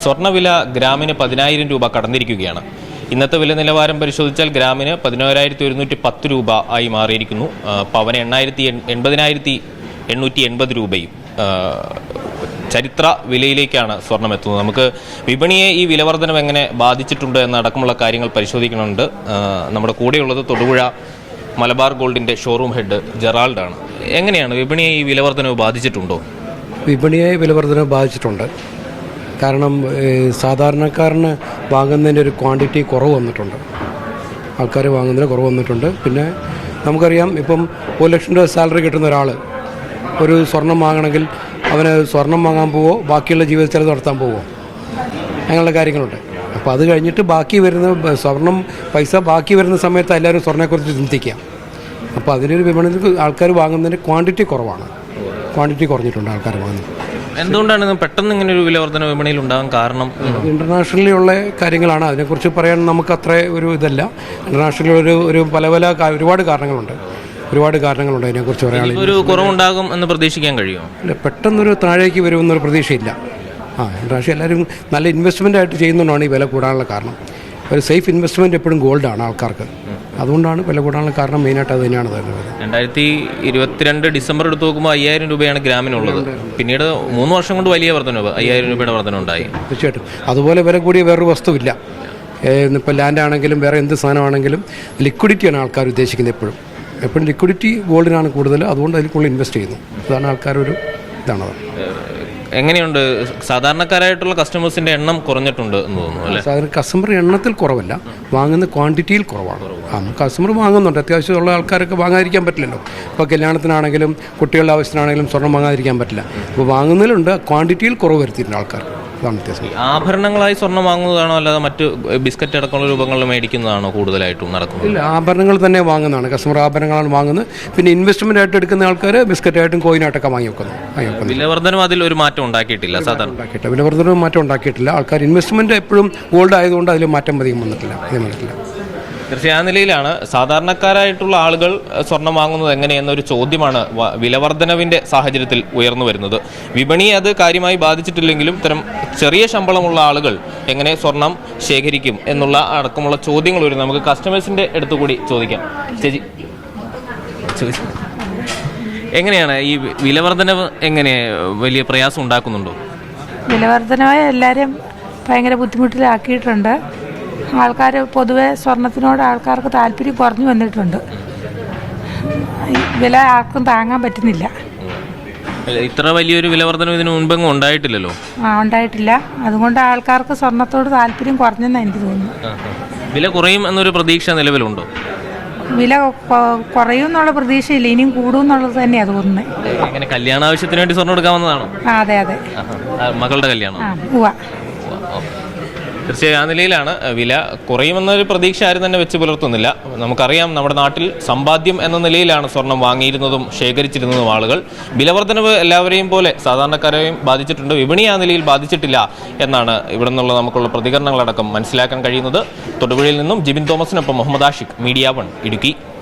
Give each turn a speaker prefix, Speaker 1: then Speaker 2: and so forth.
Speaker 1: സ്വർണ്ണവില ഗ്രാമിന് 10,000 രൂപ കടന്നിരിക്കുകയാണ്. ഇന്നത്തെ വില നിലവാരം പരിശോധിച്ചാൽ ഗ്രാമിന് 11,110 രൂപ ആയി മാറിയിരിക്കുന്നു. പവന് 80,880 രൂപയും ചരിത്ര വിലയിലേക്കാണ് സ്വർണം എത്തുന്നത്. നമുക്ക് വിപണിയെ ഈ വിലവർധനം എങ്ങനെ ബാധിച്ചിട്ടുണ്ട് എന്നടക്കമുള്ള കാര്യങ്ങൾ പരിശോധിക്കുന്നുണ്ട്. നമ്മുടെ കൂടെയുള്ളത് തൊടുപുഴ മലബാർ ഗോൾഡിൻ്റെ ഷോറൂം ഹെഡ് ജെറാൾഡാണ്. എങ്ങനെയാണ് വിപണിയെ ഈ വിലവർധനവ് ബാധിച്ചിട്ടുണ്ടോ?
Speaker 2: വിപണിയെ വിലവർധനവ് ബാധിച്ചിട്ടുണ്ട്. കാരണം സാധാരണക്കാരന് വാങ്ങുന്നതിൻ്റെ ഒരു ക്വാണ്ടിറ്റി കുറവ് വന്നിട്ടുണ്ട്. ആൾക്കാർ വാങ്ങുന്നതിന് കുറവ് വന്നിട്ടുണ്ട്. പിന്നെ നമുക്കറിയാം, ഇപ്പം 1 ലക്ഷം രൂപ സാലറി കിട്ടുന്ന ഒരാൾ ഒരു സ്വർണം വാങ്ങണമെങ്കിൽ അവന് സ്വർണം വാങ്ങാൻ പോവോ, ബാക്കിയുള്ള ജീവിത ചെലവ് നടത്താൻ പോവോ, അങ്ങനെയുള്ള കാര്യങ്ങളുണ്ട്. അപ്പോൾ അത് കഴിഞ്ഞിട്ട് ബാക്കി വരുന്ന സ്വർണം പൈസ ബാക്കി വരുന്ന സമയത്ത് എല്ലാവരും സ്വർണ്ണത്തെക്കുറിച്ച് ചിന്തിക്കാം. അപ്പോൾ അതിനൊരു വിപണിയിൽ ആൾക്കാർ വാങ്ങുന്നതിൻ്റെ ക്വാണ്ടിറ്റി കുറവാണ്. ക്വാണ്ടിറ്റി കുറഞ്ഞിട്ടുണ്ട് ആൾക്കാർ വാങ്ങുന്നത്.
Speaker 1: എന്തുകൊണ്ടാണ് പെട്ടെന്ന് ഇങ്ങനെ ഒരു വിലവർധന വിപണിയിൽ ഉണ്ടാകാൻ കാരണം?
Speaker 2: ഇന്റർനാഷണലി ഉള്ള കാര്യങ്ങളാണ്. അതിനെക്കുറിച്ച് പറയാൻ നമുക്ക് അത്ര ഒരു ഇതല്ല. ഇന്റർനാഷണലി ഒരു പല ഒരുപാട് കാരണങ്ങളുണ്ട്. അതിനെക്കുറിച്ച് പറയാൻ.
Speaker 1: ഒരു കുറവുണ്ടാകും എന്ന് പ്രതീക്ഷിക്കാൻ കഴിയുമോ?
Speaker 2: ഇല്ല, പെട്ടെന്നൊരു താഴേക്ക് വരുമെന്നൊരു പ്രതീക്ഷയില്ല. ഇന്റർനാഷണൽ എല്ലാവരും നല്ല ഇൻവെസ്റ്റ്മെൻ്റ് ആയിട്ട് ചെയ്യുന്നതുകൊണ്ടാണ് ഈ വില കൂടാനുള്ള കാരണം. ഒരു സേഫ് ഇൻവെസ്റ്റ്മെൻറ്റ് എപ്പോഴും ഗോൾഡാണ് ആൾക്കാർക്ക്. അതുകൊണ്ടാണ് വില കൂടാനുള്ള കാരണം. മെയിനായിട്ട് അത് തന്നെയാണ് തരുന്നത്.
Speaker 1: 2022 ഡിസംബർ എടുത്ത് നോക്കുമ്പോൾ 5,000 രൂപയാണ് ഗ്രാമിനുള്ളത്. പിന്നീട് 3 വർഷം കൊണ്ട് വലിയ വർധനവ്, 5,000 രൂപയുടെ വർധന ഉണ്ടായി.
Speaker 2: തീർച്ചയായിട്ടും അതുപോലെ വില കൂടിയ വേറൊരു വസ്തുവില്ല. ഇപ്പോൾ ലാൻഡ് ആണെങ്കിലും വേറെ എന്ത് സാധനമാണെങ്കിലും ലിക്വിഡിറ്റിയാണ് ആൾക്കാർ ഉദ്ദേശിക്കുന്നത്. എപ്പോഴും ലിക്വിഡിറ്റി ഗോൾഡിനാണ് കൂടുതൽ. അതുകൊണ്ട് അതിൽ കൂടുതൽ ഇൻവെസ്റ്റ് ചെയ്യുന്നു. അതാണ് ആൾക്കാരൊരു ഇതാണ്.
Speaker 1: എങ്ങനെയുണ്ട് സാധാരണക്കാരായിട്ടുള്ള കസ്റ്റമേഴ്സിന്റെ എണ്ണം കുറഞ്ഞിട്ടുണ്ട് എന്ന് തോന്നുന്നു അല്ലേ?
Speaker 2: സാധാരണ കസ്റ്റമർ എണ്ണത്തിൽ കുറവല്ല, വാങ്ങുന്ന ക്വാണ്ടിറ്റിയിൽ കുറവാണ്. കസ്റ്റമർ വാങ്ങുന്നുണ്ട്. അത്യാവശ്യമുള്ള ആൾക്കാരൊക്കെ വാങ്ങാതിരിക്കാൻ പറ്റില്ലല്ലോ. ഇപ്പോൾ കല്യാണത്തിനാണെങ്കിലും കുട്ടികളുടെ ആവശ്യത്തിനാണെങ്കിലും സ്വർണ്ണം വാങ്ങാതിരിക്കാൻ പറ്റില്ല. അപ്പോൾ വാങ്ങുന്നതിലുണ്ട്, ക്വാണ്ടിറ്റിയിൽ കുറവ് വരുത്തിയിട്ടുണ്ട് ആൾക്കാർ. അതാണ് വ്യത്യാസം.
Speaker 1: ആഭരണങ്ങളായി സ്വർണ്ണം വാങ്ങുന്നതാണോ അല്ലാതെ മറ്റ് ബിസ്ക്കറ്റ് അടക്കമുള്ള രൂപങ്ങളിൽ മേടിക്കുന്നതാണോ കൂടുതലായിട്ടും നടക്കുന്നത്?
Speaker 2: ഇല്ല, ആഭരണങ്ങൾ തന്നെ വാങ്ങുന്നതാണ്. കസ്റ്റമർ ആഭരണങ്ങളാണ് വാങ്ങുന്നത്. പിന്നെ ഇൻവെസ്റ്റ്മെന്റ് ആയിട്ട് എടുക്കുന്ന ആൾക്കാർ ബിസ്ക്കറ്റായിട്ടും കോയിനായിട്ടൊക്കെ വാങ്ങി വെക്കുന്നു.
Speaker 1: വിലവർധനം അതിൽ ഒരു മാറ്റം ഉണ്ടാക്കിയിട്ടില്ല. സാധാരണ
Speaker 2: വിലവർധനം മാറ്റം ഉണ്ടാക്കിയിട്ടില്ല. ആൾക്കാർ ഇൻവെസ്റ്റ്മെന്റ് എപ്പോഴും ഗോൾഡ് ആയതുകൊണ്ട് അതിൽ മാറ്റം അധികം വന്നിട്ടില്ല.
Speaker 1: തീർച്ചയായും ആ നിലയിലാണ് സാധാരണക്കാരായിട്ടുള്ള ആളുകൾ സ്വർണം വാങ്ങുന്നത് എങ്ങനെയെന്നൊരു ചോദ്യമാണ് വിലവർധനവിൻ്റെ സാഹചര്യത്തിൽ ഉയർന്നു വരുന്നത്. വിപണിയെ അത് കാര്യമായി ബാധിച്ചിട്ടില്ലെങ്കിലും ഇത്തരം ചെറിയ ശമ്പളമുള്ള ആളുകൾ എങ്ങനെ സ്വർണം ശേഖരിക്കും എന്നുള്ള അടക്കമുള്ള ചോദ്യങ്ങൾ വരും. നമുക്ക് കസ്റ്റമേഴ്സിൻ്റെ അടുത്തുകൂടി ചോദിക്കാം. ചേച്ചി, എങ്ങനെയാണ് ഈ വിലവർധനവ് എങ്ങനെ വലിയ പ്രയാസം ഉണ്ടാക്കുന്നുണ്ടോ?
Speaker 3: വിലവർധനവ് എല്ലാവരും ഭയങ്കര ബുദ്ധിമുട്ടിലാക്കിയിട്ടുണ്ട്. ആൾക്കാർ പൊതുവെ സ്വർണത്തിനോട് ആൾക്കാർക്ക് താല്പര്യം കുറഞ്ഞു വന്നിട്ടുണ്ട്. വില ആർക്കും താങ്ങാൻ പറ്റുന്നില്ല.
Speaker 1: ഇത്ര വലിയൊരു വിലവർധനം ഇതിനു മുൻപെങ്ങും ഉണ്ടായിട്ടില്ലല്ലോ.
Speaker 3: ഉണ്ടായിട്ടില്ല. അതുകൊണ്ട് ആൾക്കാർക്ക് സ്വർണത്തോട് താല്പര്യം കുറഞ്ഞെന്നാണ് എനിക്ക് തോന്നുന്നു.
Speaker 1: വില കുറയും എന്നൊരു പ്രതീക്ഷ നിലവിലുണ്ടോ?
Speaker 3: വില കുറയും എന്നുള്ള പ്രതീക്ഷയില്ല, ഇനിയും കൂടും എന്നുള്ളത് തന്നെയാണ് തോന്നുന്നത്.
Speaker 1: എങ്ങനെ കല്യാണ ആവശ്യത്തിന് വേണ്ടി സ്വർണ്ണം എടുക്കാവുന്നതാണോ?
Speaker 3: അതെ അതെ,
Speaker 1: മകളുടെ കല്യാണം. തീർച്ചയായും ആ നിലയിലാണ്. വില കുറയുമെന്നൊരു പ്രതീക്ഷ ആരും തന്നെ വെച്ച് പുലർത്തുന്നില്ല. നമുക്കറിയാം, നമ്മുടെ നാട്ടിൽ സമ്പാദ്യം എന്ന നിലയിലാണ് സ്വർണം വാങ്ങിയിരുന്നതും ശേഖരിച്ചിരുന്നതും ആളുകൾ. വിലവർധനവ് എല്ലാവരെയും പോലെ സാധാരണക്കാരെയും ബാധിച്ചിട്ടുണ്ട്. വിപണി ആ നിലയിൽ ബാധിച്ചിട്ടില്ല എന്നാണ് ഇവിടെ നിന്നുള്ള നമുക്കുള്ള പ്രതികരണങ്ങളടക്കം മനസ്സിലാക്കാൻ കഴിയുന്നത്. തൊടുപുഴയിൽ നിന്നും ജിബിൻ തോമസിനൊപ്പം മുഹമ്മദ് ആഷിഖ്, മീഡിയ 1 ഇടുക്കി.